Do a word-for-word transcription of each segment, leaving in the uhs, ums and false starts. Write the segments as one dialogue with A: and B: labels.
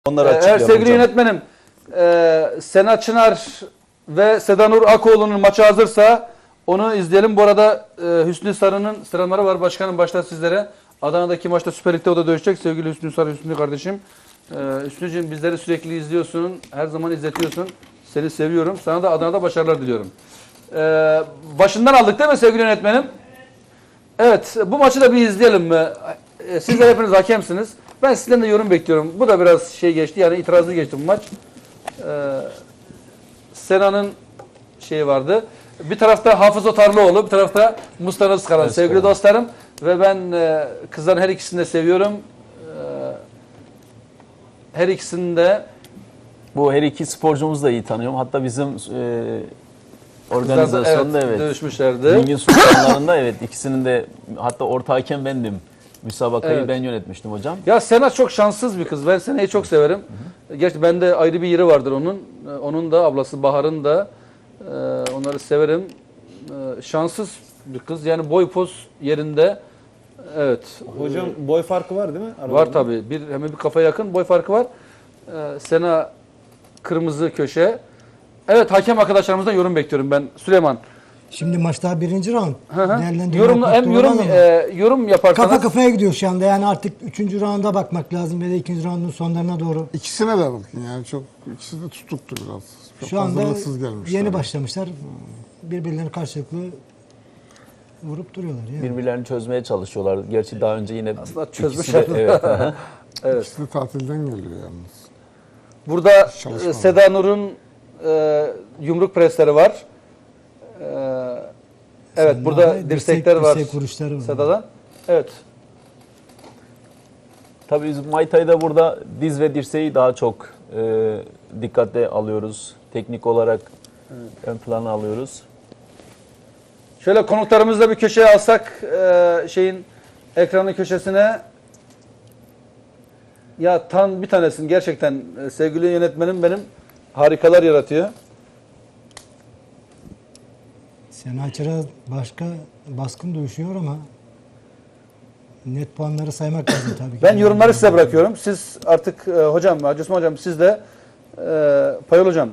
A: Onları
B: Eğer
A: açıklayalım
B: sevgili
A: hocam.
B: yönetmenim e, Sena Çınar ve Sedanur Akoğlu'nun maçı hazırsa onu izleyelim. Bu arada e, Hüsnü Sarı'nın selamları var. Başkanım başta sizlere. Adana'daki maçta Süper Lig'de o da dövüşecek. Sevgili Hüsnü Sarı, Hüsnü kardeşim. E, Hüsnü'cüğüm bizleri sürekli izliyorsun. Her zaman izletiyorsun. Seni seviyorum. Sana da Adana'da başarılar diliyorum. E, başından aldık değil mi sevgili yönetmenim? Evet. Bu maçı da bir izleyelim. E, sizler hepiniz hakemsiniz. Ben sizden de yorum bekliyorum. Bu da biraz şey geçti. Yani itirazlı geçti bu maç. Ee, Sena'nın şeyi vardı. Bir tarafta Hafız Otarlıoğlu, bir tarafta Mustafa Özkaran.
A: Evet,
B: Sevgili
A: evet.
B: dostlarım ve ben e, kızların her ikisini de seviyorum. Ee, her ikisini de
A: Bu her iki sporcumuzu da iyi tanıyorum. Hatta bizim e,
B: kızlar da,
A: organizasyonda
B: evet,
A: evet.
B: dövüşmüşlerdi.
A: Ringin sultanlarında evet ikisinin de hatta orta hakem bendim. Müsabakayı
B: Evet.
A: ben yönetmiştim hocam.
B: Ya Sena çok şanssız bir kız. Ben Sena'yı çok severim. Hı hı. Gerçi bende ayrı bir yeri vardır onun. Ee, Onun da ablası Bahar'ın da. Ee, onları severim. Ee, şanssız bir kız. Yani boy poz yerinde. Evet.
C: Hocam boy farkı var değil mi?
B: Var
C: aralarında?
B: tabii. Bir, hem bir kafa yakın boy farkı var. Ee, Sena kırmızı köşe. Evet, hakem arkadaşlarımızdan yorum bekliyorum ben. Süleyman.
D: Şimdi maç daha birinci round.
B: Hı hı.
D: Değerlendirme
B: Yorum,
D: yapmak
B: hem
D: doğru
B: yorum
D: ama
B: e, yorum yaparsanız.
D: kafa kafaya gidiyor şu anda. Yani artık üçüncü rounda bakmak lazım ya da ikinci roundun sonlarına doğru.
E: İkisine de bakın yani çok ikisi de tutuktu biraz. Çok
D: Şu anda
E: hazırlıksız gelmişler.
D: yeni başlamışlar. Birbirlerini karşılıklı vurup duruyorlar. Yani.
A: Birbirlerini çözmeye çalışıyorlar. Gerçi daha önce yine
B: Aslında
A: ikisi
B: çözmüşler.
A: de- evet. aha.
B: Evet.
E: İkisi de tatilden geliyor yalnız.
B: Burada
E: Çalışma
B: e, Seda Nur'un e, yumruk presleri var. E, evet,
D: Sen
B: burada
D: dirsek-
B: dirsekler var
D: dirsek vuruşları var.
B: Seda'dan. Evet.
A: Tabii biz Muay Thai'da burada diz ve dirseği daha çok e, dikkate alıyoruz. Teknik olarak ön plana alıyoruz.
B: Şöyle konuklarımızı da bir köşeye alsak e, şeyin ekranın köşesine. Ya tan bir tanesin gerçekten e, sevgili yönetmenim benim harikalar yaratıyor.
D: Sena Çıra başka baskın dövüşüyor ama net puanları saymak lazım tabii ki.
B: Ben yorumları size bırakıyorum. Siz artık e, hocam, Hacı Osman hocam, siz de e, Payol hocam.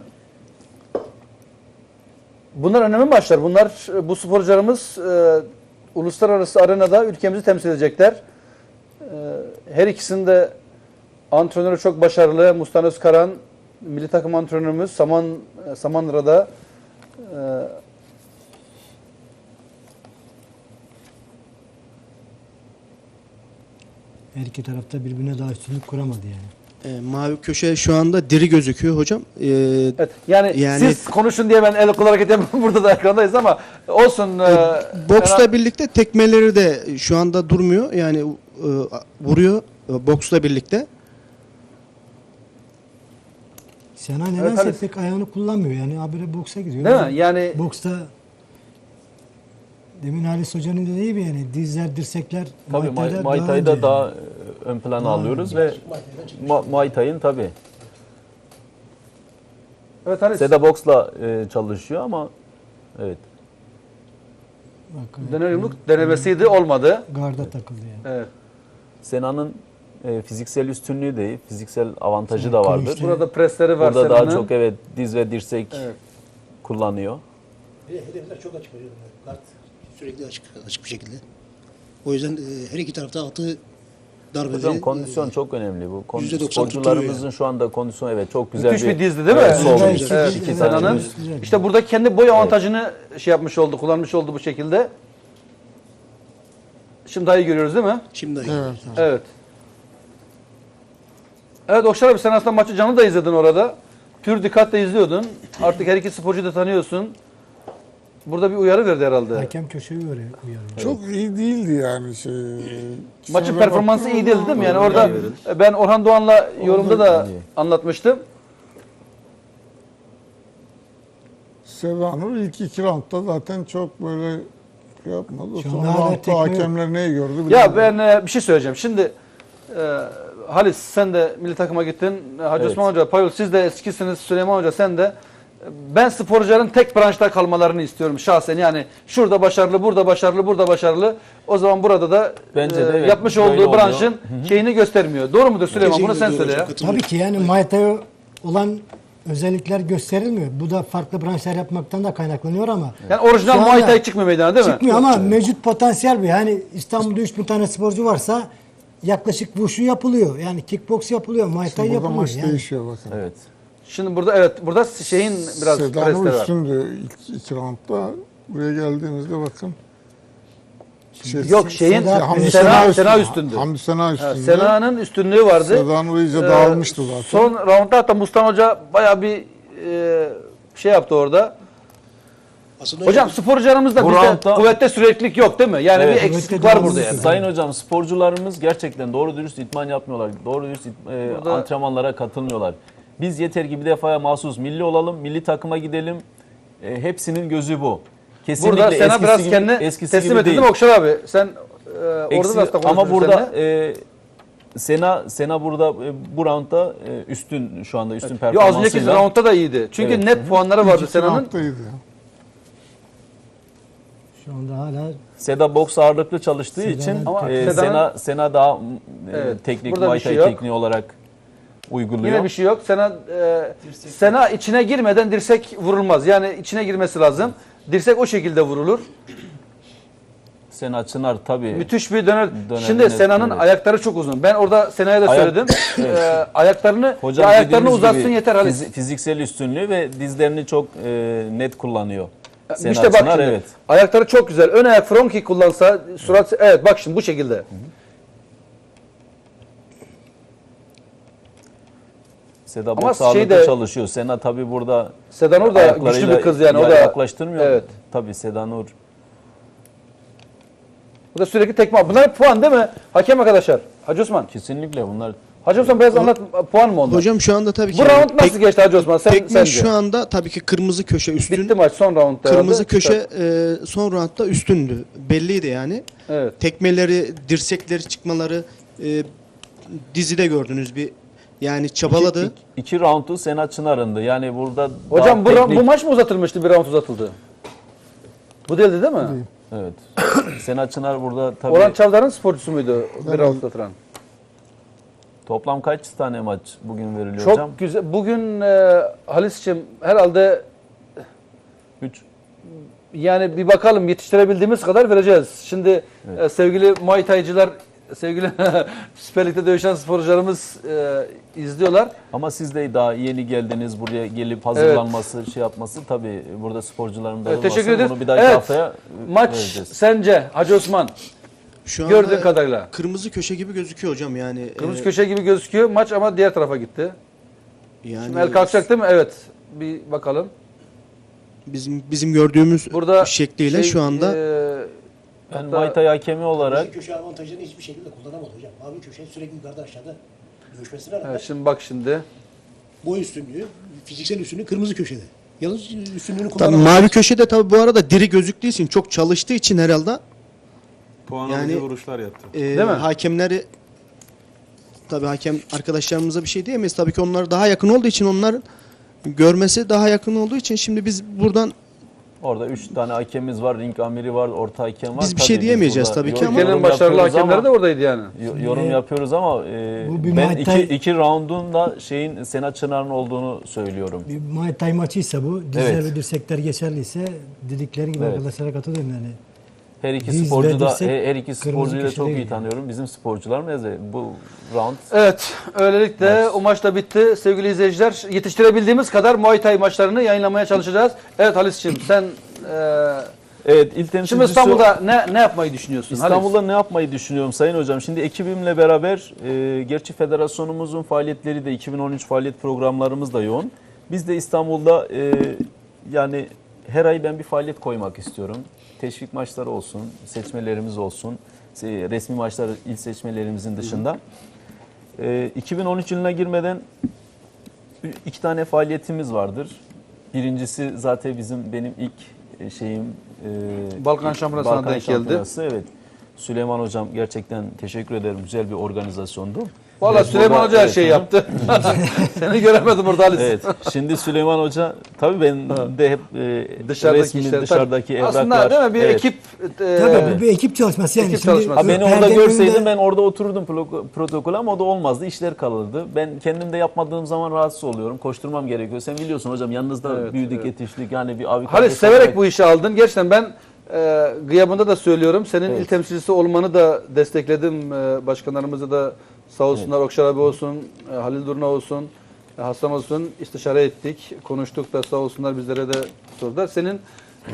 B: Bunlar önemli maçlar. Bunlar bu sporcularımız e, uluslararası arenada ülkemizi temsil edecekler. E, her ikisinde antrenörü çok başarılı. Mustafa Özkaran, milli takım antrenörümüz Saman Samanra'da. E,
D: Her iki tarafta birbirine daha üstünlük kuramadı yani.
F: E, mavi köşe şu anda diri gözüküyor hocam. E,
B: evet. Yani,
F: Yani-
B: siz konuşun diye ben el kol hareket yapıyorum. Burada da ekrandayız ama olsun. E,
F: boksla
B: en-
F: birlikte tekmeleri de şu anda durmuyor. Yani e, vuruyor e, boksla birlikte.
D: Sena nedense
B: Evet,
D: pek ayağını kullanmıyor yani habire boksa gidiyor.
B: Değil mi? Yani
D: Boksta demin Halis Hoca'nın dediği gibi yani dizler, dirsekler
A: Tabii Muay,
D: Thai'da
A: Muay
D: daha
A: Thai'da
D: önce
A: daha
D: yani.
A: e, ön plana
D: Daha
A: alıyoruz ve Mu- Muay Thai'ın tabii.
B: evet Halis.
A: Seda Box'la e, çalışıyor ama evet.
D: Bak, evet,
B: Döner yumruk denemesiydi, olmadı.
D: garda takıldı yani.
B: Evet.
A: Sena'nın e, fiziksel üstünlüğü de iyi, fiziksel avantajı da vardır.
D: Kılıçlı.
B: Burada presleri var
A: Burada daha
B: Sena'nın.
A: çok evet diz ve dirsek
B: Evet.
A: kullanıyor.
G: Hedefler çok açık hocam. Kart sürekli açık, açık bir şekilde. O yüzden e, her iki tarafta attığı darbeleri...
A: Hocam kondisyon
G: e,
A: çok önemli. Bu Kon-
G: yüzde doksan
A: sporcularımızın
G: tutturuyor
A: şu anda kondisyonu evet çok güzel
B: Müthiş bir
A: bir,
B: dizdi değil mi?
A: Evet, sol
D: Evet,
A: diz.
D: evet,
A: İki
D: evet,
A: tane
B: Sena'nın.
A: diz.
D: Güzel.
B: İşte burada kendi boy avantajını şey yapmış oldu, kullanmış oldu bu şekilde. Şimdi daha iyi görüyoruz değil mi?
G: Şimdi
E: Evet. evet.
B: Evet. Evet Okşar abi, sen aslında maçı canlı da izledin orada. Pür dikkatle izliyordun. Artık her iki sporcuyu da tanıyorsun. Burada bir uyarı verdi herhalde.
D: Hakem köşeyi uyarıyor. uyarıyor.
E: Çok iyi değildi yani şey.
B: Maçın
E: Sonra
B: performansı
E: baktım
B: iyi değildi değil mi? Yani
A: Doğru,
B: orada
A: iyi.
B: ben Orhan Doğan'la yorumda da
A: iyi.
B: anlatmıştım.
E: Sedanur ilk iki roundda zaten çok böyle şey yapmadı.
D: Şu
E: Son
D: anda hala
E: roundda
D: tekme yok.
E: hakemler neyi gördü bilmiyorum.
B: Ya ben e, bir şey söyleyeceğim. Şimdi e, Halis sen de milli takıma gittin. Hacı
A: Evet.
B: Osman Hoca, Payol siz de eskisiniz. Süleyman Hoca sen de. Ben sporcuların tek branşta kalmalarını istiyorum şahsen. Yani şurada başarılı, burada başarılı, burada başarılı. O zaman burada da
A: Bence de
B: e,
A: evet,
B: yapmış
A: böyle
B: olduğu
A: oluyor.
B: branşın şeyini göstermiyor. Doğru mudur Süleyman? Bunu sen
G: Kesinlikle
B: söyle
G: doğru,
B: ya.
G: çok katılıyorum.
D: Tabii ki yani Muay Thai olan özellikler gösterilmiyor. Bu da farklı branşlar yapmaktan da kaynaklanıyor ama
B: Yani orijinal
D: Şu anda
B: Muay Thai çıkmıyor meydana değil mi?
D: çıkmıyor ama mevcut potansiyel bir. Yani İstanbul'da üç bin tane sporcu varsa yaklaşık wushu yapılıyor. Yani kickbox yapılıyor, Muay Thai
E: Burada
D: yapılıyor.
E: maç
D: Yani.
E: değişiyor bakın.
A: Evet.
B: Şimdi burada evet burada şeyin biraz
E: Sedanur
B: presleri var.
E: üstündü ilk iki roundda. Buraya geldiğimizde bakın. Şey,
B: Yok şeyin
D: Seda-
E: Hamdi
B: Sena,
E: Sena,
B: Sena üstündü.
E: Hamdi Sena
B: Ha,
E: üstünde.
B: Sena'nın üstünlüğü vardı.
E: Sedanur iyice
B: Ee,
E: dağılmıştı zaten.
B: Son roundda hatta Mustan Hoca bayağı bir e, şey yaptı orada.
G: Aslında
B: Hocam sporcularımızda
A: Bu
B: bizde
A: roundda-
B: kuvvette süreklilik yok değil mi? Yani
A: Evet.
B: bir eksiklik
D: Kuvvette
B: var burada
D: devamlı-
B: yani.
A: Sayın hocam sporcularımız gerçekten doğru dürüst idman yapmıyorlar. Doğru dürüst it- e,
B: Burada-
A: antrenmanlara katılmıyorlar. Biz yeter ki bir defaya mahsus milli olalım, milli takıma gidelim. E, hepsinin gözü bu. Kesinlikle
B: Burada Sena
A: eskisi
B: biraz
A: gibi,
B: kendini
A: eskisi
B: teslim
A: gibi
B: ettin
A: değil.
B: mi Okşar abi? Sen e, orada
A: Eksi-
B: da aslında
A: ama
B: konuştun
A: burada
B: seninle.
A: e, Sena Sena burada e, bu roundda e, üstün şu anda üstün
B: Yo, az
A: performansıyla.
B: önceki roundda da iyiydi. Çünkü
A: Evet.
B: net puanları vardı
E: İki
B: Sena'nın.
E: roundda iyiydi ya.
D: Şu anda hala
A: Seda boks ağırlıklı çalıştığı
D: Seda'nın-
A: için
B: Ama
A: e,
B: Seda'nın-
A: Sena Sena daha e,
B: Evet,
A: teknik
B: burada bir
A: Muay
B: şey
A: Thai
B: yok.
A: tekniği olarak uyguluyor.
B: Yine bir şey yok. Sena e, Sena içine girmeden dirsek vurulmaz. Yani içine girmesi lazım. Dirsek o şekilde vurulur.
A: Sena Çınar tabii.
B: Müthiş bir döner.
A: Döner,
B: Şimdi
A: evet,
B: Sena'nın
A: evet.
B: ayakları çok uzun. Ben orada Sena'ya da
A: Ayak-
B: söyledim. Ee, ayaklarını
A: Hocam
B: ya ayaklarını
A: dediğimiz
B: uzatsın
A: gibi
B: yeter Halis.
A: fizi- fiziksel üstünlüğü ve dizlerini çok e, net kullanıyor. Sena
B: işte bak
A: Çınar,
B: şimdi.
A: evet.
B: Ayakları çok güzel. Ön ayak front kick kullansa surat evet bak şimdi bu şekilde.
A: Seda
B: Ama
A: boks
B: şey
A: ağırlıklı
B: de-
A: çalışıyor. Sena tabii burada
B: Sedanur da güçlü
A: ayaklarıyla
B: bir kız yani. O
A: ya-
B: da
A: yaklaştırmıyor.
B: Evet.
A: Tabii Sedanur.
B: Bu da sürekli tekme. Bunlar hep puan değil mi? Hakem arkadaşlar. Hacı Osman.
A: Kesinlikle bunlar
B: Hacı Osman biraz anlat puan mı onlar?
F: Hocam şu anda tabii ki
B: bu
F: yani
B: round nasıl
F: tek-
B: geçti Hacı Osman? Sen,
F: tekme
B: sence?
F: şu anda tabii ki kırmızı köşe üstün.
B: Bitti maç son roundda.
F: Kırmızı
B: herhalde.
F: köşe e, son roundda üstündü. Belliydi yani.
B: Evet.
F: Tekmeleri, dirsekleri çıkmaları e, dizide gördünüz bir yani çabaladı.
A: İki, iki roundu Sena Çınar'ındı. Yani burada
B: Hocam bu,
A: daha
B: ra-
A: teknik-
B: bu maç mı uzatılmıştı? Bir round uzatıldı. Bu değildi değil mi?
A: Evet. Sena Çınar burada tabii
B: Orhan Çavdar'ın sporcusu muydu bir
E: Evet.
B: round uzatılan?
A: toplam kaç tane maç bugün veriliyor
B: Çok
A: hocam?
B: güzel. Bugün e, Halis'ciğim herhalde
A: üç.
B: yani bir bakalım yetiştirebildiğimiz kadar vereceğiz. Şimdi e, sevgili Muay Thai'cılar, sevgili Süper Lig'de dövüşen sporcularımız e, izliyorlar.
A: Ama siz de daha yeni geldiniz buraya gelip hazırlanması, şey yapması tabii burada sporcuların da
B: Evet,
A: olması.
B: teşekkür ederiz.
A: Bunu bir dahaki
B: Evet,
A: haftaya
B: Maç
A: vereceğiz.
B: sence Hacı Osman
F: Şu anda
B: gördüğün kadarıyla.
F: kırmızı köşe gibi gözüküyor hocam yani.
B: Kırmızı
F: e,
B: köşe gibi gözüküyor. Maç ama diğer tarafa gitti.
F: yani
B: Şimdi el kalkacak değil mi? Evet. Bir bakalım.
F: bizim bizim gördüğümüz
B: Burada
F: şekliyle
B: şey,
F: şu anda
B: e,
A: Ben
B: hatta-
A: Muay Thai hakemi olarak
G: Kırmızı köşe avantajını hiçbir şekilde kullanamadı hocam. Mavi köşe sürekli yukarıda aşağıda dövüşmesine rağmen
B: evet, şimdi bak şimdi.
G: boy üstünlüğü, fiziksel üstünlüğü kırmızı köşede. Yalnız üstünlüğünü
F: tabii
G: kullanamadı.
F: mavi köşede tabii bu arada diri gözüktüğü için çok çalıştığı için herhalde
C: Puan
F: Yani-
C: alıcı vuruşlar yaptı.
F: e,
B: Değil mi?
F: hakemleri tabii hakem arkadaşlarımıza bir şey diyemeyiz. Tabii ki onlar daha yakın olduğu için onlar görmesi daha yakın olduğu için şimdi biz buradan
A: orada üç tane hakemimiz var, ring amiri var, orta hakem var.
F: Biz bir
A: Tabii
F: şey diyemeyeceğiz
A: burada
F: tabii ki
A: yorum
F: ama-
B: Ülkenin başarılı
A: yapıyoruz
B: hakemleri
A: ama-
B: de oradaydı yani.
A: Yo- yorum yapıyoruz ama e,
D: Bu bir
A: ben
D: Muay
A: iki,
D: Thai-
A: iki roundun da şeyin Sena Çınar'ın olduğunu söylüyorum.
D: bir Muay Thai maçıysa bu. Dizler
A: Evet.
D: ve dirsekler geçerliyse dedikleri gibi
A: Evet.
D: arkadaşlara katılıyorum yani.
A: Her iki
D: Diz
A: sporcu
D: ve
A: da
D: dirsek
A: her iki
D: kırmızı
A: sporcuyu da
D: köşe
A: çok
D: değil
A: iyi
D: yani.
A: tanıyorum. Bizim sporcular neyse bu round
B: Evet, öylelikle
A: Maç.
B: o maç da bitti. Sevgili izleyiciler, yetiştirebildiğimiz kadar Muay Thai maçlarını yayınlamaya çalışacağız. Evet Halis'ciğim sen e,
A: evet ilk
B: şimdi
A: temsilcisi
B: İstanbul'da ne ne yapmayı düşünüyorsun?
A: İstanbul'da ne yapmayı düşünüyorum Sayın Hocam? Şimdi ekibimle beraber e, gerçi federasyonumuzun faaliyetleri de iki bin on üç faaliyet programlarımız da yoğun. Biz de İstanbul'da e, yani her ay ben bir faaliyet koymak istiyorum. Teşvik maçları olsun, seçmelerimiz olsun, se- resmi maçlar il seçmelerimizin dışında. E, iki bin on üç yılına girmeden iki tane faaliyetimiz vardır. Birincisi zaten bizim benim ilk e, şeyim e,
B: Balkan Şampiyonası'na
A: Balkan
B: denk geldi.
A: Şampiyonası, evet. Süleyman Hocam gerçekten teşekkür ederim. Güzel bir organizasyondu.
B: Valla
A: Evet,
B: Süleyman
A: burada-
B: Hoca her
A: evet,
B: şeyi
A: hocam.
B: yaptı. Seni göremedim orada Halis.
A: Evet. Şimdi Süleyman Hoca tabii ben de hep e,
B: Dışarıdaki
A: resmi
B: işler,
A: dışarıdaki
B: tabii.
A: evraklar.
B: Aslında değil mi bir
A: Evet.
B: ekip e,
D: Tabii bu bir ekip çalışması yani.
B: ekip
D: Şimdi
B: çalışması.
A: Ha, beni
D: perdenin
A: orada görseydim
D: önünde-
A: ben orada otururdum pro- protokol ama o da olmazdı. İşler kalırdı. Ben kendim de yapmadığım zaman rahatsız oluyorum. Koşturmam gerekiyor. Sen biliyorsun hocam yanınızda
B: Evet,
A: büyüdük,
B: evet.
A: yetiştik. Yani bir abi
B: Halis
A: kardeş
B: severek
A: olarak-
B: bu işi aldın. Gerçekten ben e, gıyabında da söylüyorum. Senin
A: Evet.
B: il temsilcisi olmanı da destekledim. E, başkanlarımızı da sağ olsunlar. Okşar abi olsun, e, Halil Durna olsun, e, Hasan olsun istişare ettik. Konuştuk da sağ olsunlar bizlere de sordular. Senin e,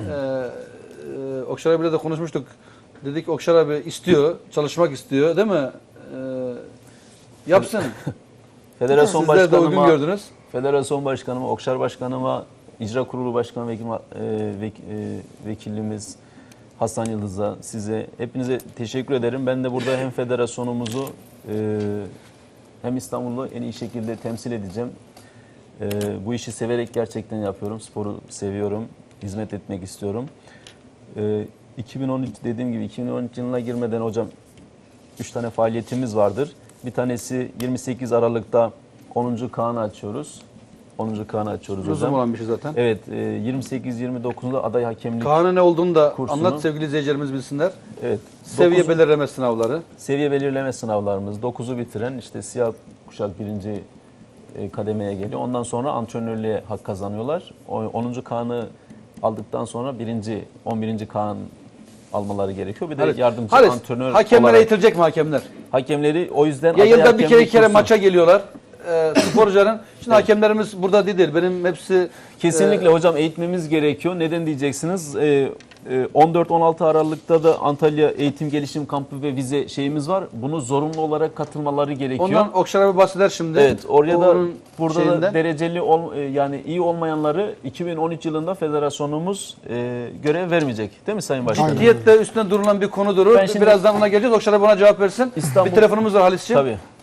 B: e, Okşar abiyle de konuşmuştuk. Dedik Okşar abi istiyor, çalışmak istiyor değil mi? E, yapsın.
A: Federasyon
B: Sizler de uygun
A: başkanıma,
B: gördünüz.
A: Federasyon başkanıma, Okşar başkanıma, icra kurulu başkanı vekil, e, vek, e, vekilimiz Hasan Yıldız'a, size hepinize teşekkür ederim. Ben de burada hem federasyonumuzu e, hem İstanbul'u en iyi şekilde temsil edeceğim. E, bu işi severek gerçekten yapıyorum. Sporu seviyorum. Hizmet etmek istiyorum. E, iki bin on üç dediğim gibi iki bin on üç yılına girmeden hocam üç tane faaliyetimiz vardır. Bir tanesi yirmi sekiz Aralık'ta onuncu Kaan'ı açıyoruz. onuncu Kaan'ı açıyoruz
B: Uzun
A: hocam.
B: olan bir şey zaten.
A: Evet, e, yirmi sekiz yirmi dokuzunda aday hakemlik.
B: Kaan'ın ne olduğunu da
A: Kursunu.
B: anlat sevgili izleyicilerimiz bilsinler.
A: Evet.
B: Seviye
A: dokuz-
B: belirleme sınavları.
A: seviye belirleme sınavlarımız. dokuzu bitiren işte siyah kuşak birinci e, kademeye geliyor. Ondan sonra antrenörlüğe hak kazanıyorlar. O- onuncu Kaan'ı aldıktan sonra birinci, on birinci Kaan almaları gerekiyor. Bir de
B: Halis,
A: yardımcı
B: Halis,
A: antrenör
B: hakemler
A: olarak.
B: eitilecek mi hakemler?
A: Hakemleri o yüzden
B: Ya
A: aday
B: yılda bir
A: hakemlik
B: kere iki kere
A: kursu-
B: maça geliyorlar. Ee, sporcuların. Şimdi hakemlerimiz burada değil. Benim hepsi
A: Kesinlikle hocam eğitmemiz gerekiyor. Neden diyeceksiniz? Ee, e, on dört on altı Aralık'ta da Antalya Eğitim Gelişim Kampı ve vize şeyimiz var. Bunu zorunlu olarak katılmaları gerekiyor.
B: ondan Okşar abi bahseder şimdi.
A: Evet, oraya da
B: Onun
A: burada
B: şeyinden.
A: da dereceli ol, e, yani iyi olmayanları iki bin on üç yılında federasyonumuz e, görev vermeyecek. Değil mi Sayın Başkanım?
E: Aynen.
B: Ciddiyette üstüne durulan bir konudur.
A: Ben şimdi-
B: Birazdan ona geleceğiz. Okşar abi ona cevap versin.
A: İstanbul-
B: Bir telefonumuz var Halis'ciğim.
A: Tabii.